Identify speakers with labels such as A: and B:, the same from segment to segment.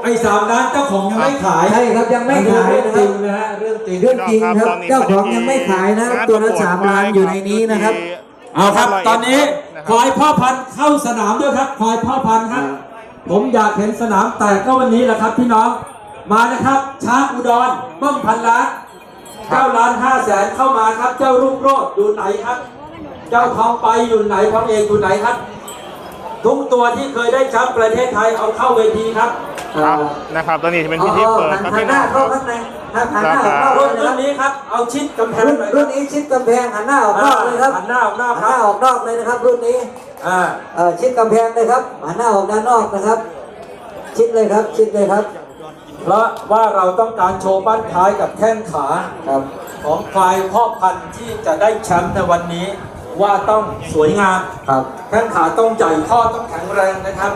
A: 3 ล้านเจ้าของยังไม่ขาย
B: ใช่ครับยังไม่ขายนะค
A: จ
B: รั
A: ริ
B: บ
A: งนะฮะเรื่องจริง
B: เรื่องจริงครับเจ้าของยังไม่ขายนะตัวละ3 ล้านอยู่ในนี้นะครับ
A: เอาครับตอนนี้ควายพ่อพันธุ์เข้าสนามด้วยครับควายพ่อพันธุ์ครับผมอยากเห็นสนามแตกก็วันนี้แหละครับพี่น้องมานะครับช้างอุดรเบิ้มพันล้าน9 ล้าน 5 แสนเข้ามาครับเจ้ารุ่งโรจน์อยู่ไหนครับเจ้าทองไปอยู่ไหนทองเอกอยู่ไหนครับทุกตัวที่เคยได้แชมป์ประเทศไทยเอาเข้าเวทีครับ
C: ครับนะครับตอนนี้จะเป็นพิธีเปิดครับพี่
B: ห
C: น้
B: น้า
C: องค
B: เข้า
C: รับ
B: ข้างในหันหน้าออกนอก
A: รุ่น
B: เลยครับ
A: นี้ครับเอาชิดกำแพงหน่อย
B: รุ่นนี้ชิดกำแพงหันหน้าออกนอกเลยครับ
A: หันหน้าออกนอก
B: หัน
A: ค
B: ห
A: รับ
B: น้าออกนอกเลยนะครับ รุ่นนี้ชิดกำแพงเลยครับหันหน้าออกด้านนอกนะครับ ชิดเลยครับชิดเลยครับ
A: เพราะว่าเราต้องการโชว์บ้านท้ายกับแข้งขา
B: ครับ
A: ของควายพ่อพันธุ์ที่จะได้แชมป์ในวันนี้ว่าต้องสวยงาม
B: ครับ
A: แข้งขาต้องใหญ่ข้อต้องแข็งแรงนะครับ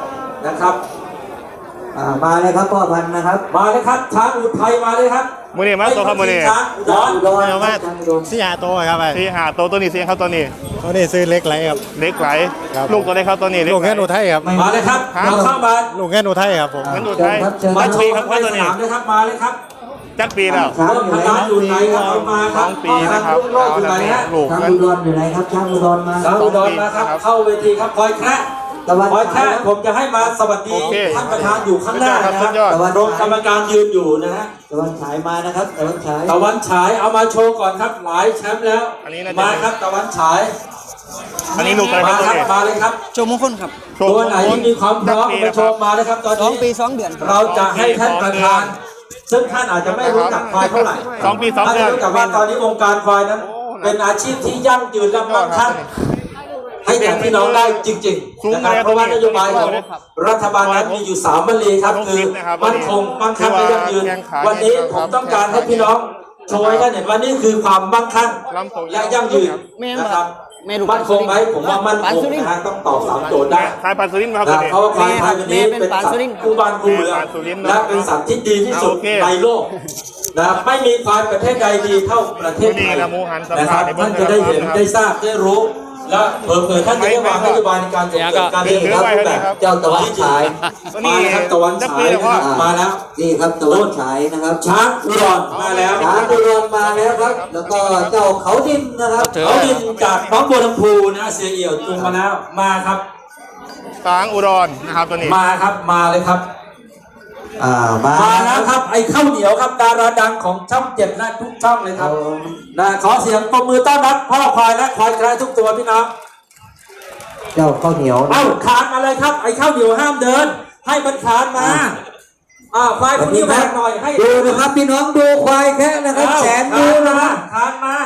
B: มาเลยครับพ่อพันธุ์นะครับ
A: มาเลยครับช้างอุทัยมาเลยครับ
C: มือนี่มาตัวครับมือนี่
A: ช้างอุดร
B: อุดร
D: เดี๋ยวมา
B: ช้างอุดร
D: สี่หาโตวครับไป
C: ที่หาตัวนี้เสียงครับตัวนี้
D: ตัวนี้ซื้อเล็กไรครับ
C: เล็กไหล
D: ครับ
C: ลูกตัวไหนครับตัวนี้เล็ก
D: ลูก
C: ไหล
D: แง่นอุทัยครับ
A: มาเลยครับเราเข้ามา
D: ลูกแง่นอุทัยครับผม
C: งั้นดู
B: เชิ
C: ไท
B: ญ
C: ย
B: ครับเชิญ
A: มา
B: ครับ
A: โชว์ครับในสนามนะครับมาเลยครับ
C: จักปีแล้ว
B: ช้าง
A: เริ่ม
B: อยู่
A: พ
B: ไหน
A: ลานอยู่ไหนครับเอามาครับ
C: 2 ปีนะครับ
A: พ่อพันธุ์รุ่งโรจน์อยู่ไหนฮะ
C: ลูก
B: ช้าง
C: นั้น
B: อุดรอยู่ไหนครับช้างอุดรมา
A: ช้างอุดรมาครับเข้าเวทีครับคอยแคระ
B: ตะวัน
A: คอยแค
B: ฉาย
A: ระผมจะให้มาสวัสดี
C: โอเค
A: ท่านประธานอยู่ข้างหน้านะ
C: สุดยอด
A: ครับรองกรรมการยืนอยู่นะฮะ
B: ตะวันฉายมานะครับตะวันฉาย
A: ตะวันฉายเอามาโชว์ก่อนครับหลายแชมป์แล้ว
C: อันนี้น่าจะ
A: มาครับตะวันฉาย
C: อันนี้ลูกอะไรค
A: มา
C: รับตัว
A: ครับ
C: นี้
A: มาเลยครับ
E: โชว์มงคลครับ
A: ตัวไหนที่มีความพร้อมมาโชว์มาเลยครับตอน
E: 2 ปี
A: นี้
E: 2 เดือนครับ
A: เราจะให้ท่านประธาน ซึ่งท่านอาจจะไม่รู้จักควายเท่าไหร่
C: 2 ปี 2
A: ท่าน
C: เดือน
A: รู้จักว่าตอนนี้วงการควายนั้น เป็นอาชีพที่ยั่งยืนและมั่งคั่งให้กับพี่น้องได้จริงๆนะครับเพราะว่านโยบายของรัฐบาลนั้นมีอยู่3 วลีครับคือมั่นคงมั่งคั่งและยั่งยืนวันนี้ผมต้องการให้พี่น้องโชว์ให้ท่านเห็นว่านี่คือความมั่งคั่งและยั่งยืนนะครับมั่นคงไหมผมว่ามั่นคงนะฮะต้องตอบ3 โจทย์ได้
C: ทายปันสุรินทร์มาครับตัวนี้
A: เพราะว่าควายไทยวันนี้เป็นสัตว์คู่บ้านคู่เมืองและเป็นสัตว์ที่ดีที่สุด
C: โอเค
A: ในโลกนะครับไม่มีควายประเทศใดดีเท่าประเทศไทย
C: นี่นะหมูหันสัม
A: นะ
C: ภา
A: ค
C: ษ
A: รับ
C: ณ์ในเบื้อง
A: ท่านจะได้เห็น
C: ต้นนะครับ
A: ได้ทราบได้รู้ และเผยท่านจะได้วางนโยบายในการส่งเสริมการเรียนรู้รูปแบบ
B: เจ้าตะวันฉาย
A: มาแล้วครับตะวันฉายนะครับมาแล้ว
B: นี่ครับตะวันฉายนะครับ
A: ช้างอุดรมาแล้ว
B: ช้างอุดรมาแล้วครับ แล้วก็เจ้าเขาดินนะครับ
A: เขาดินจากน้องบัวลำพูนะเสียเอี่ยวจุงมาแล้วมาครับ
C: ช้างอุดรนะครับตัวนี้
A: มาครับมาเลยครับ
B: มา
A: มาแล้วครับไอ้ข้าวเหนียวครับดาราดังของช่อง7และทุกช่องเลยครับนะขอเสียงปรบมือต้อนรับพ่อควายและควายกระทุกตัวพี่น้อง
B: เจ้าข้าวเหนียวนะ
A: เอ้าคานมาเลยครับไอ้ข้าวเหนียวห้ามเดิน ให้มันคานมาควายพวกนี้แบกหน่อยให้
B: ดูนะครับพี่น้องดูควายแค่นะครับแสนดูนะครับ
A: คานมา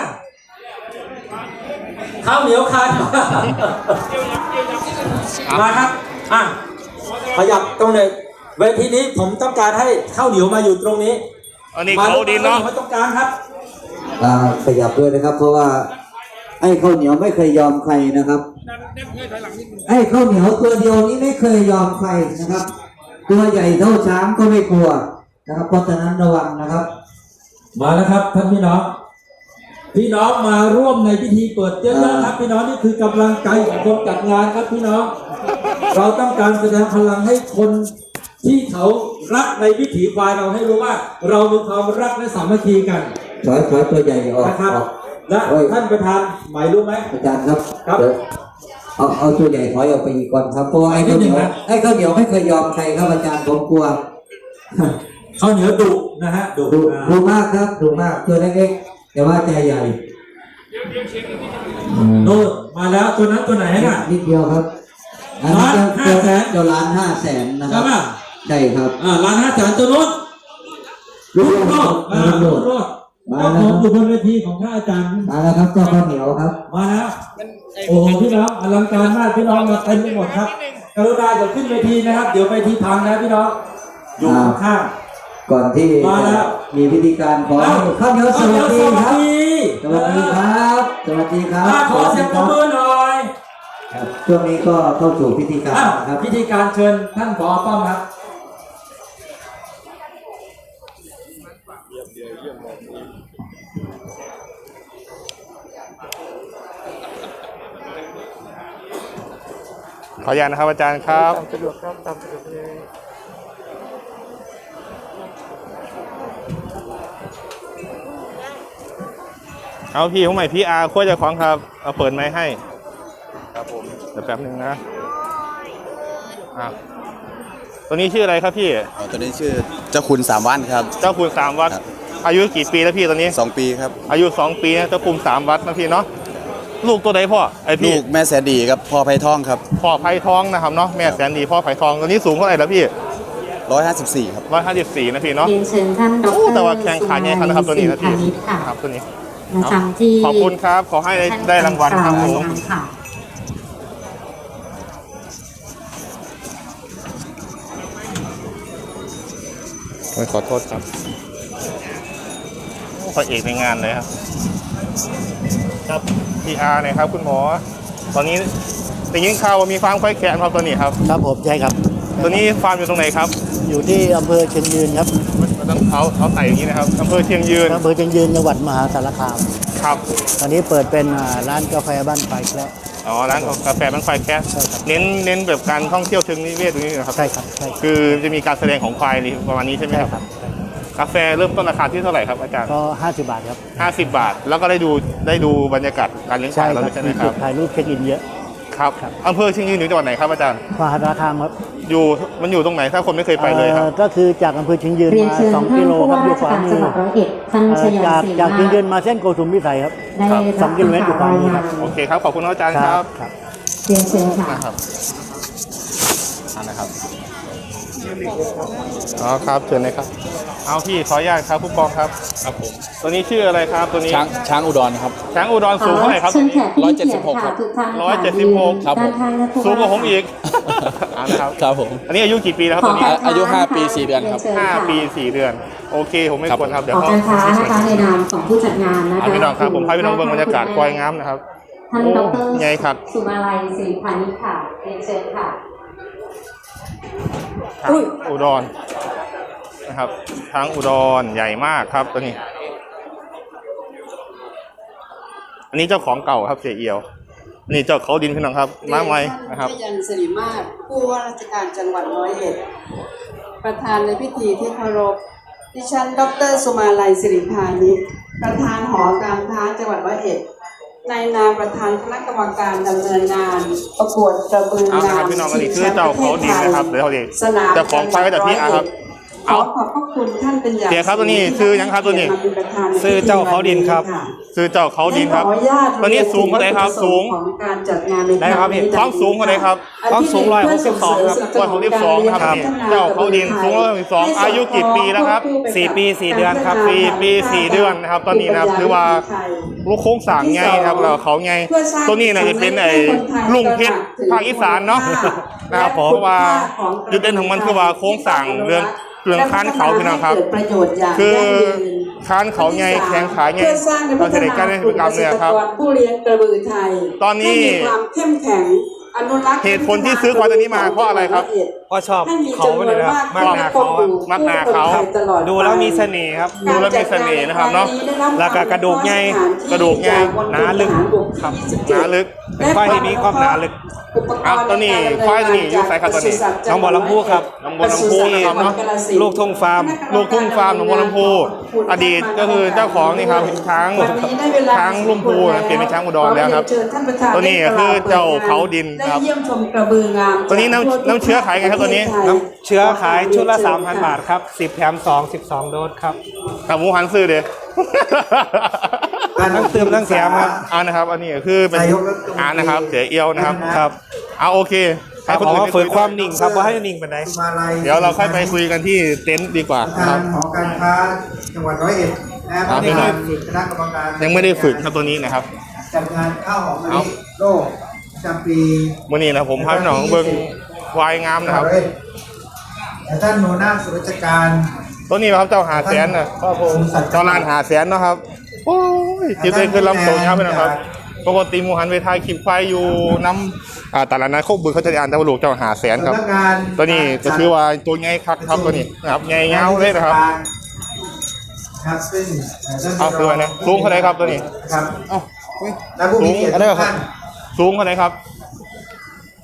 A: ข้าวเหนียวคานมาครับขยับตรงเลยเวทีนี้ผมต้องการให้ข้าวเหนียวมาอยู่ตรงนี้
C: อันนี้เขาดินเนาะ
A: มาตรงกลางครับ
B: ขยับด้วยนะครับ เพราะว่าไอ้ข้าวเหนียวไม่เคยยอมใครนะครับไอ้ข้าวเหนียวตัวเดียวนี้ไม่เคยยอมใครนะครับ ตัวใหญ่เท่าช้างก็ไม่กลัวนะครับเพราะฉะนั้นระวังนะครับ
A: มาแล้วครับท่านพี่น้องพี่น้องมาร่วมในพิธีเปิดเยอะๆครับพี่น้องนี่คือกำลังใจของคนจัดงานครับพี่น้อง เราต้องการแสดงพลังให้คนที่เขารักในวิถีควายเราให้รู้ว่า เรามีความรักและสามัคคีกัน
B: ถอยตัวใหญ่ออก
A: นะครับ
B: ออก
A: และท่านประธานหมายรู้ไหม
B: อาจารย์ครับ
A: ครับ
B: เดี๋ยวเอาตัวใหญ่ถอยออกไปอีกก่อนครับเพราะว่าไอ้ข้าวเหนียว
A: นิดนึงนะ
B: ไอ้ข้าวเหนียวไม่เคยยอมใครครับอาจารย์ผมกลัว
A: ข้าวเหนียวดุนะฮะดุ
B: ดูมากครับดูมากตัวเล็กๆแต่ว่าใจใหญ่
A: โน่นมาแล้วตัวนั้นตัวไหนน่ะ
B: นิดเดียวครับอันนี้
A: 1,500,000
B: เจ้าล้าน500,000นะค
A: ใช่
E: Dạ
B: รับ
E: vâng.
A: ป่ะ
B: ใช่ครับ
A: ร้านอาหารตัวนู้นรุ่งโรจน์รุ่งโรจน์เจ้าของอยู่บนเวทีของท่านอาจารย์
B: มาแล้วครับเจ้าข้าวเหนียวครับ
A: มาแล้วโอ้โหพี่น้องอลังการมากพี่น้องมาเต็มไปหมดครับกรุณาอย่าขึ้นเวทีนะครับ เดี๋ยวเวทีพังนะพี่น้องอยู่ข้าง
B: ก่อนที่
A: มาแล้ว
B: มีพิธีการขอให้ข้าวเหนียวสวัสดีครับสวัสดีครับสวัสดีครับ
A: ขอเสียงปรบมือหน่อย
B: ครับช่วงนี้ก็เข้าสู่พิธีการนะครับ
A: พิธีการเชิญท่านผอ.ป้อมครับ
C: ขออนุญาตนะครับอาจารย์ครับ
D: สะดวกครับตามสะดวกเลย
C: เอาพี่ของใหม่พี่อาร์ขั้วเจ้าของครับเอาเปิดไม้ให้ครับผมเดี๋ยวแป๊บนึงนะตัวนี้ชื่ออะไรครับพี่
E: ตัวนี้ชื่อเจ้าคุณ3 วัดครับ
C: เจ้าคุณ3 วัดอายุกี่ปีแล้วพี่ตอนนี้
E: 2 ปีครับ
C: อายุ2 ปีนะเจ้าคุณ3 วัดนะพี่เนาะลูกตัวใดพ่อไอพี่
E: ลูกแม่แสนดีครับพ่อไผ่ทองครับ
C: พ่อไผ่ทองนะครับเนาะแม่แสนดีพ่อไผ่ทองตัวนี้สูงเท่าไหร่แล้วพี่
E: 154ครับ
C: 154นะพี่เนาะ
F: เรียนเชิญท่านดร.
C: แต่ว่าแข่งขาใหญ่ครับตัวนี้นะพี่ครับตัวนี้
F: ประจำที่
C: ขอบคุณครับขอให้ได้รางวัลครับผมขอโทษครับพระเอกในงานเลยครับครับ PR เนี่ยครับคุณหมอตอนนี้ได้ยินข่าวว่ามีฟาร์มควายแขนครับตัวนี้ครับ
D: ครับผมใช่ครับ
C: ตัวนี้ฟาร์มอยู่ตรงไหนครับ
D: อยู่ที่อำเภอเชียงยืนครับ
C: ต้องเขาใส่อย่างนี้นะครับอำเภอเชียงยืน
D: อำเภอเชียงยืนจังหวัดมหาสารคาม
C: ครับ
D: ตอนนี้เปิดเป็นร้านกาแฟบ้านไฟแล้ว
C: อ๋อร้านกาแฟบ้านไฟแคสเน้นแบบการท่องเที่ยวเชิงนิเวศตรงนี้นะครับ
D: ใช่ครับใช่
C: คือจะมีการแสดงของควายประมาณนี้ใช่ไหมครับกาแฟเริ่มต้นราคาที่เท่าไหร่ครับอาจารย์
D: ก็50 บาทครับ
C: 50 บาทแล้วก็ได้ดูบรรยากาศการเลี้ยงควายเราใช่ไหมครับ
D: ถ่ายรูปเช็คอินเยอะ
C: ครับอำเภอเชียงยืนอยู่จังหวัดไหนครับอาจารย์
D: มหาสารคามครับ
C: มันอยู่ตรงไหนถ้าคนไม่เคยไปเลยครับ
D: ก็คือจากอำเภอเชียงยืนมา2 กิโลครับอยู่ขวามือจากเชียงยืนมาเส้นโกสุมพิสัยครับ2 กิโลเมตรอยู่ขวามือครับ
C: โอเคครับขอบคุณอาจารย์ครับ
F: เรียนเชิญค่ะ
C: นะครับอ๋อครับเชิญเลยครับเอาพี่ขออนุญาตครับผู้กองครับครับผมตัวนี้ชื่ออะไรครับตัวนี้
E: ช้างอุดรครับ
C: ช้างอุดรสูงเท่าไหร่ครับ
E: 176ครับ
C: 176ครับผมสูงกว่าผมอีก
E: นะครับครับผม
C: อันนี้อายุกี่ปีแล้วครับตัวนี้
E: อายุ5 ปี 4 เดือนครับ
C: 5 ปี 4 เดือนโอเคผมไม่ควรครับเดี๋ยว
F: การค้านะคะในนามของผู้จัดงานนะคะ
C: พี่น้องครับผมพาพี่น้องเบิ่งบรรยากาศควายงามนะครับ
F: ท่านดร.
C: ใหญ่ครับ
F: สุมาลัยศรีพานิชค่ะเรียนเชิญค่ะ
C: อุดรนะครับช้างอุดรใหญ่มากครับตัวนี้อันนี้เจ้าของเก่าครับเสียเอียวนี่เจ้าเขาดินพี่น้องครับมาไว้นะครับ
G: ยันสิริมาศผู้ว่าราชการจังหวัด101ประธานในพิธีที่เคารพดิฉันดร.สุมาลัยศิริพานิชประธานหอการค้าจังหวัด101ในนามประธานคณะกรรมการดำเนินงานประกวดกระบืองาม
C: พี่น้องอันนี้คือเจ้าเขาดินนะครับเดี๋ยวเขาเองเจ้าของควายก็จะพี่ครับ
G: ขอขอบพระคุณท่านเป็นอย่าง
C: เสียครับตัวนี้ซื้อยังครับตัวนี้
D: ซื้อเจ้าเขาดินครับ
C: ซื้อเจ้าเขาดินครับตัวนี้สูงเท่าไหร่ครับสูง
G: ของการจัดงานใน
C: ได้ครับความสูงเท่าไหร่ครับ
D: ความสูง162ครับ
C: 162ครับเจ้าเขาดินสูง162อายุกี่ปีแล้วครับ
D: 4 ปี 4 เดือนครับ
C: 4 ปี 4 เดือนนะครับตอนนี้นะครับคือว่าลูกโค้งสั่งไงครับเราเขาไงตัวนี้น่าจะเป็นไอ้ลุงเพชรภาคอีสานเนาะนะครับเพราะว่าจุดเด่นของมันคือว่าโค้งสั่งเรื่องค้านเขาพี่น้องครับคือค้านเขาไงแข็งขาไงเราจะได้การเล่นกิจกรรมเนี่ยครับ
G: ผู้เลี้ยงกระบือไทย
C: ตอนนี้
G: ความเข้มแข็งอนุรักษ์
C: เหตุผลที่ซื้อควายตัวนี้มาเพราะอะไรครับ
D: เพราะชอบเขาเลยนะ
C: มากหนาเขามักหนาเขา
D: ดูแล้วมีเสน่ห์ครับ
C: ดูแล้วมีเสน่ห์นะครับเนาะ
D: แล้วก็กระดูกใหญ่หนาลึกครับ
C: หนาลึก
D: เป็นควายที่มีความหนาลึก
C: ตัวนี้ควายตัวนี้อยู่ไสครับตัวนี้
D: น้องบัวลำพูครับ
C: น้องบัวลำพูนะครับเนาะ
D: ลูกทุ่งฟาร์ม
C: น้องบัวลำพูอดีตก็คือเจ้าของนี่ครับช้างลุ่มพูเปลี่ยนเป็นช้างอุดรแล้วครับตัวนี้คือเจ้าเขาดินครับตัวนี้น้ำเชื้อขายไงครับตัวนี้
D: น้ำเชื้อขายชุดละ 3,000 บาทครับ10 แถม 2 12 โดสครับ
C: หมูหันซื้อเด้
D: ทั้งเติมทั้งแถมครับ
C: นะครับอันนี้คือเป็นนะครับเสียเอียวนะครับ
D: ครับ
C: โอเค
D: ให้คนอื่นฝึกความนิ่งครับว่าให้นิ่งเป็นไง
C: เดี๋ยวเราค่อยไปคุยกันที่เต็นท์ดีกว่าครับ
B: หอการค้าจังหวัด101นะครับไม่ได้ฝึกคณะกรรมการ
C: ยังไม่ได้ฝึกครับตัวนี้นะครับ
B: จัดงานข้าวหอมมะลิโลกประจำปี
C: วันนี้นะผมพาพี่น้องเบิ้งควายงามนะครับ
B: ท่านโนนาสุรการ
C: ตัวนี้ครับเจ้าหาแสนนะเจ้าลานหาแสนนะครับโอ้ยจิตใจขึ้นลำโตงครับพี่น้องครับปกติมูหันไปทายคลิปควายอยู่น้ำตลาดนัดโคกบึงเขาจะอ่านตะวันลูกเจ้าหาแสนครับตัวนี้ก็คือว่าตัวใหญ่ครับตัวนี้นะครับใหญ่เงาเลยนะครับ
B: ครับซึ่ง
C: เอาคืออะไรสูงเท่าไหร่ครับตัวนี้
B: ครับสูง
C: อะไรครับสูงเท่าไหร่ครับ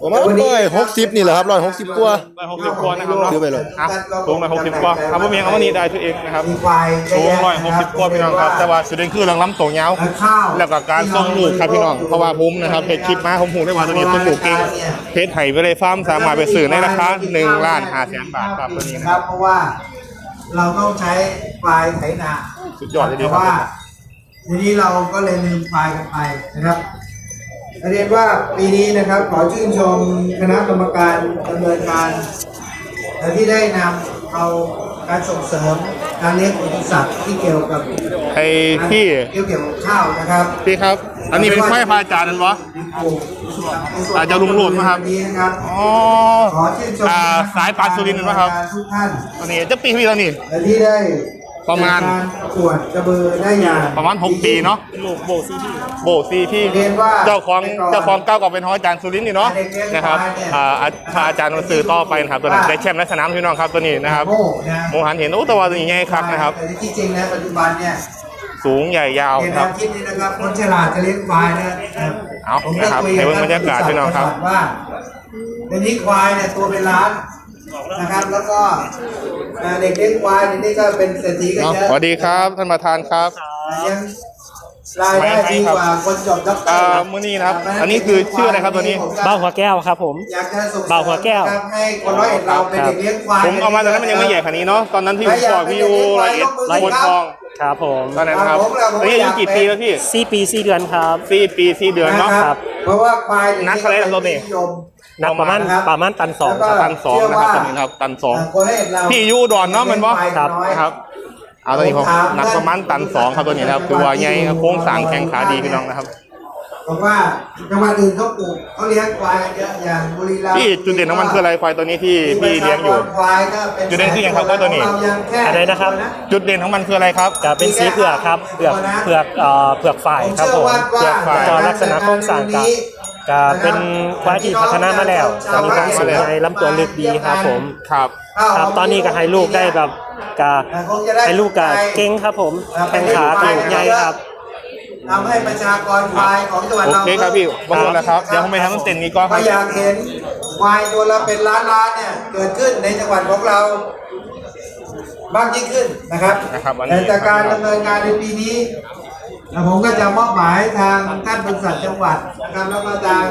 H: ประมาณ160นี่แหละครับ160กว่า
C: 160กว่านะครับเนาะ
H: ซื้อไปเลย
C: อ่ะสูง160กว่าครับพ่อเมียเอาวันนี้ได้ตัวเองนะครับ
B: มีควายเย
C: สู
B: อะ
C: ง
B: แยะ
C: 160กว่าพี่น้องครับแต่ว่าสุดเด่นคือเรื่องลำตัวยาว
B: ข้าว
C: แล้วก็การส่งลูกครับพี่น้องเพราะว่าผมนะครับเพจคลิปมาผมหูได้ว่าตัวนี้ส่งลูกเก่งเพจไห่ไปเลยฟาร์มสามารถไปซื้อในราคา1,500,000 บาทครับตัวนี้นะครับ
B: เพราะว่าเราต้องใช้ควายไถนา
C: สุดยอดเลยดี
B: แต่
C: ครั
B: ว่า
C: บ
B: ทีนี้เราก็เลยลืมควายกันไปนะครับเรียนว่าปีนี้นะครับขอชื่นชมคณะกรรมการดำเนินการที่ได้นำเอาการส่งเสริมการเลี้ยงปศุสัตว์ที่เกี่ยวกับ
C: ไอ้พี่
B: เกี่ยวกับข้าวนะครับ
C: พี่ครับ อันนี้เป็นควายพระอาจารย์นั่นวะ อาจจะลุงโหลดไหมครับ
B: วันนี้นะครับ
C: อ๋อ
B: ขอชื่นชม
C: สายปานสุรินทร์เป็นไหมครับ
B: ทุกท่าน
C: ตัวนี้จะปีพี่แล้วนี่
B: ที่ได้
C: ประมาณ
B: ประกวดกระบือได้อย่าง
C: ประมาณ6 ปีเนาะโบซีที่
B: เรียนว่า
C: เจ้าของเก้าก็เป็นของอาจารย์สุรินทร์นี่เนาะนะครับพระอาจารย์มาสื่อต่อไปนะครับตัวนั้นได้แชมป์ในสนามพี่น้องครับตัวนี้นะครับ
B: โม่นะ
C: โมหันเห็นโอ้ตัวนี้ใหญ่ครับนะครับ
B: แต่ที่จริงนะปัจจุบันเนี่ย
C: สูงใหญ่ยาว
B: เห็น
C: ค
B: แน
C: รับ
B: วคิดนี้นะครับคนฉลาดจะเลี้ยงควายนะ
C: เอา
B: ผมได้
C: นะครับ
B: คุย
C: ให้
B: กับ
C: เบิ่งบรรยากาศพี่น้องครับ
B: ว่าเดี๋ยวนี้ควายเนี่ยตัวเป็นล้านนะครับ แล้วก็เด็กเลี้ยงควายนี่ก็เป็นเศรษฐีกันเยอะ
C: สวัสดีครับท่านประธานครับ
B: ยังรายได้ดีกว่าคนจบด็อกเตอร์
C: มื้อนี้นะครับอันนี้คือชื่ออะไรครับตัวนี้
D: บ้าหัวแก้วครับผม
B: อยากจะส่งเสริม
D: เบาหัวแก้ว
B: นะครับให้คนร้อยเอ็ดเราเป็นเด็กเลี้ยงควาย
C: ผมเอามาตอนนั้นมันยังไม่ใหญ่ขนาดนี้เนาะตอนนั้นที่ผมบอกพี่ยูละเอียดบนทอง
D: ครับผม
C: ตอนนั้นครับตอนนี้อายุกี่ปีแล้วพี่
D: 4 ปี 4 เดือนครับ
C: 4 ปี 4 เดือนเนาะ
B: ครับเพราะว่าควาย
C: นักเท่าไหร่ครับตัวนี้
B: นิยม
D: นับประมาณตันสอง
B: แล้วก็
D: ครับ
C: ตัน 2นะครับตอนนี้นะครับตัน
B: คนร้อยเอ็ดเรา
C: 2พี่ยูอุดอนเนาะมันบ่
B: ครับ
C: ครับเอาตอนนี้ผมหนักประมาณตัน 2ครับตัวนี้นะครับคือว่าใหญ่ครับโค้งสร้างแข็งขาดีพี่น้องนะครับ
B: บอกว่าจังหวัดอื่นเขาปลูกเขาเลี้ยงควายกันเยอะอย่างบุรีรัมย์
C: พี่จุดเด่นของมันคืออะไรควายตัวนี้ที่พี่เลี้ยงอยู่
B: ควายก็เป็น
C: จุดเด่นคืออย่างครับว่าตัวนี้
B: เรายังแค่
D: อะไรนะครับ
C: จุดเด่นของมันคืออะไรครับ
D: จะเป็นสีเผือกครับเผือกฝ่ายครับผม
C: เผือกฝ่าย
D: ก็ลักษณะโครงสร้างจะเป็นควายที่พัฒนามาแล้วจะมีความสูงใหญ่ลำตัวลึกดีครับผม
C: ครับ
D: ครับตอนนี้ก็ให้ลูกได้แบบกะให้ลูกกะเก่งครับผมแข้งขาตีใหญ่ครับ
B: ทำให้ประชากรควายของจังหวัด
C: โอ
B: เรา
C: เคครับพี่ขอบคุณนะครับเดี๋ยวผมไปทำต้นเต็นนี้ก่อนค
B: ถ้า
C: รับ
B: อยากเห็นควายตัวละเป็นล้านๆเนี่ยเกิดขึ้นในจังหวัดของเรามากยิ่งขึ้นนะครับ
C: นะครับวันนี้
B: แต่จากการดำเนินงานในปีนี้ผมก็จะมอบหมายทางท่านบริษัทจังหวัดนะครับแล้วก็ทาง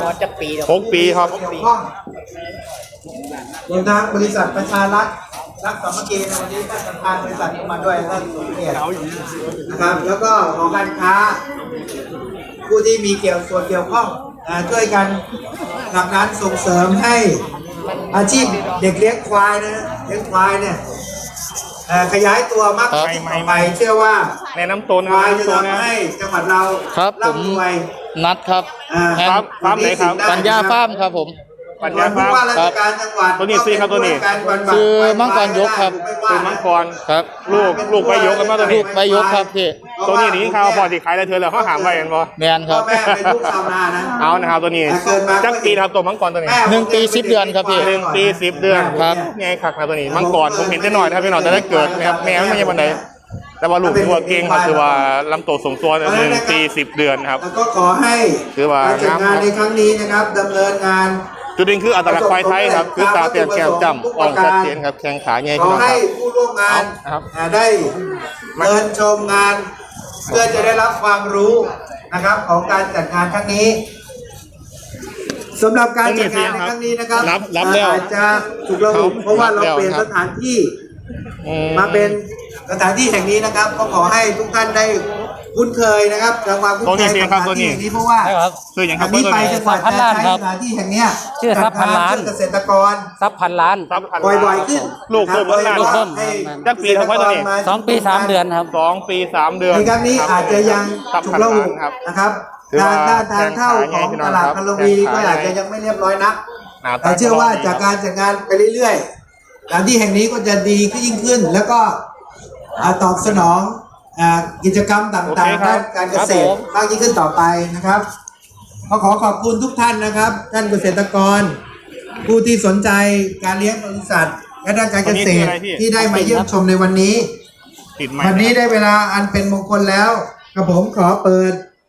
C: 6 ปีครับ
B: เกี่ยวข้องรวมทั้งบริษัทประชารัฐรักสามัคคีในวันนี้ท่านประธานบริษัทก็มาด้วยท่านสุเกียรตินะครับแล้วก็ของการค้า ผู้ที่มีส่วนเกี่ยวข้องช่วยกันผลักดันส่งเสริมให้อาชีพเด็กเลี้ยงควายนะเลี้ยงควายเนี่ยขยายตัวมากขึ้นต่อไปเชื่อว่า
C: ในน้ำต้น
B: ควายจะ
C: น้ำต้น
B: ทำให้จังหวัดเรา
E: ครับผม
B: ร่ำรวย
E: นัดครับ
C: ครับฟาร์มไหนครับ
E: ปัญญาฟาร์มครับผม
C: ปัญญาฟาร์ม
B: ผู้ว่าราชการจังหวัด
C: ตัวนี้สิครับตัวนี้
E: ชื่อมังกรยกครับ
C: คือมังกร
E: ครับ
C: ลูกไปยกกันมาตัว
E: ลู
C: นี้
E: กใบยกครับพี่
C: ตัวนี้นี่ข่าวพอสิขายได้เธอแล้วเขาหามไว้กันบ่
E: แมนค
B: พ่อ
E: รับ
B: แม่เป็นลูกชาวนานะ
C: เอานะครับตัวนี้
B: เกิดมา
C: จักปีนะครับตัวมังกรตัวนี้
E: หนึ่งปี10 เดือนครับพี่
C: 1 ปี 10 เดือน
E: ครับ
C: ไงคักนะตัวนี้มังกรผมเห็นได้หน่อยนะครับพี่น้องแต่ถ้าเกิดนะครับแม่มันไม่ใช่บันไดแต่ว่าลูกตัวเก่งครับคือว่าลำตัวสมตัว1 ปี 10 เดือนครับ
B: แล้วก็ขอให้
C: คือว่า
B: การจัดงานในครั้งนี้นะครับดำเนินงาน
C: จุดเด่นคืออัตลักษณ์ควายไทยครับคือตาเตียนแก้วจำอ่องชัดเจนครับแข้งขาใหญ่
B: ข
C: พี่
B: อ
C: น้องค
B: ให้
C: รับ
B: ผู้ร่วมงาน
C: ครับ
B: ได้เดินชมงาน เพื่อจะได้รับความรู้นะครับของการจัดงานครั้งนี้สำหรับการจัดงานในครั้งนี้นะครับ
C: รับแล้ว
B: อาจจะถูกระบุเพราะว่าเราเปลี่ยนสถานที่ มาเป็นสถานที่แห่งนี้นะครับ ก็ขอให้ทุกท่านได้คุ้นเคยนะครับทำความคุ้นเคยกับสถานที่แห่งนี้เพราะว่า
C: คืออย่างค
B: อั
C: รับ
B: นนี้ไป
C: ตัว
B: จังหวัดจะใช้สถานที่แห่งเนี้ย
D: ชื่อทรัพย์พันล้าน
B: จัดงเกษตรกร
D: ทรัพย์พันล้าน
B: บ่อยๆขึ้น
C: ลูกเพิ่ม
B: นะครับ
C: ลูกเพิ่ม
B: ให้
C: จักปีครับไว้ตัวนี้
D: 2 ปี 3 เดือนครับ
C: 2 ปี 3 เดือน
B: ในครั้งนี้อาจจะยัง
C: ครับ
B: ถูกระบุ
C: ครับ
B: นะครับ
C: ถือว่า
B: ทางเข้าของตลาดคาร์วีก็อาจจะยังไม่เรียบร้อยนัก
C: หน้าตา
B: แต่เชื่อว่าจากการจัดงานไปเรื่อยๆสถานที่แห่งนี้ก็จะดีขึ้นยิ่งขึ้น แล้วก็ตอบสนองกิจกรรมต่างๆด้านการเกษตรมากยิ่งขึ้นต่อไปนะครับก็ขอขอบคุณทุกท่านนะครับ ท่านเกษตรกร ผู้ที่สนใจการเลี้ยงปศุสัตว์และด้านการเกษตรที่ได้มาเยี่ยมชมในวันนี้
C: ติดไหม
B: วันนี้ได้เวลาอันเป็นมงคลแล้วกระผมขอเปิด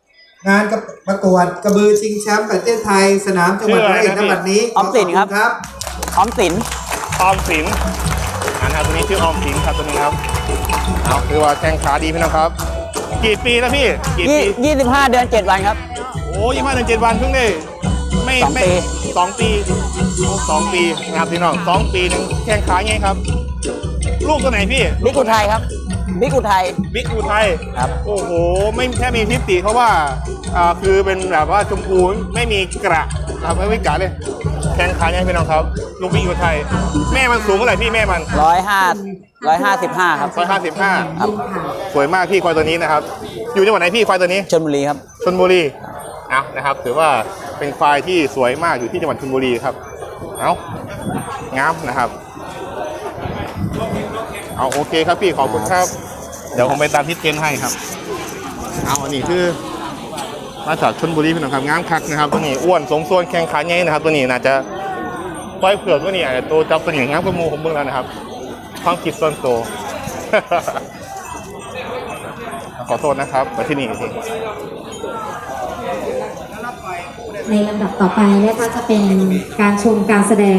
B: งานประกวดกระบือชิงแชมป์ประเทศไทยสนามจังหวัดร้อยเอ็ดณบัดนี้
D: ออมสินครับ ออมสิน
C: ออมสินนะครับตัวนี้ชื่อออมสินครับตัวนี้ครับเอาคือว่าแข้งขาดีพี่น้องครับ กี่ปีแล้วพี่กี่ปี
D: 25 เดือน 7 วันครับ
C: โอ้25 วันเพิ่งได้ไม่
D: สองปี
C: 2 ปี2 ปีนะครับพี่น้อง2 ปีหนึงแข้งขาไงครับ ลูกตัวไหนพี่
D: บิ๊กอุทัยครับ บิ๊กอุทัย
C: บิ๊กอุทัย
D: ครับ
C: โอ้โหไม่แค่มีทิศติเพราะว่าคือเป็นแบบว่าชมพูไม่มีกระครับไม่มีกระเลยแข้งขาไงพี่น้องครับลูกบิ๊กอุทัยแม่มันสูงเท่าไหร่พี่แม่มัน
D: 155 ครับ
C: 155
D: ครับ
C: สวยมากพี่ควายตัวนี้นะครับ อยู่จังหวัดไหนพี่ควายตัวนี้
D: ชลบุรีครับ
C: ชลบุรีเอานะครับถือว่าเป็นควายที่สวยมากอยู่ที่จังหวัดชลบุรีครับเอางามนะครับเอาโอเคครับพี่ขอบคุณครับ เดี๋ยวผมไปตามทิศเทนให้ครับเอาอันนี้คือมาจากชลบุรีพี่น้องครับงามคักนะครับตัวนี้อ้วนสมส่วนแข้งขาใหญ่นะครับตัวนี้น่าจะควายเผือกตัวนี้อาจจะโตจับตัวนี้งามกว่าหมูผมเบิ่งแล้วนะครับความคิดส่วนโตว ขอโทษนะครับมาที่นี่จริง
F: ในลำดับต่อไปนะคะจะเป็นการชมการแสดง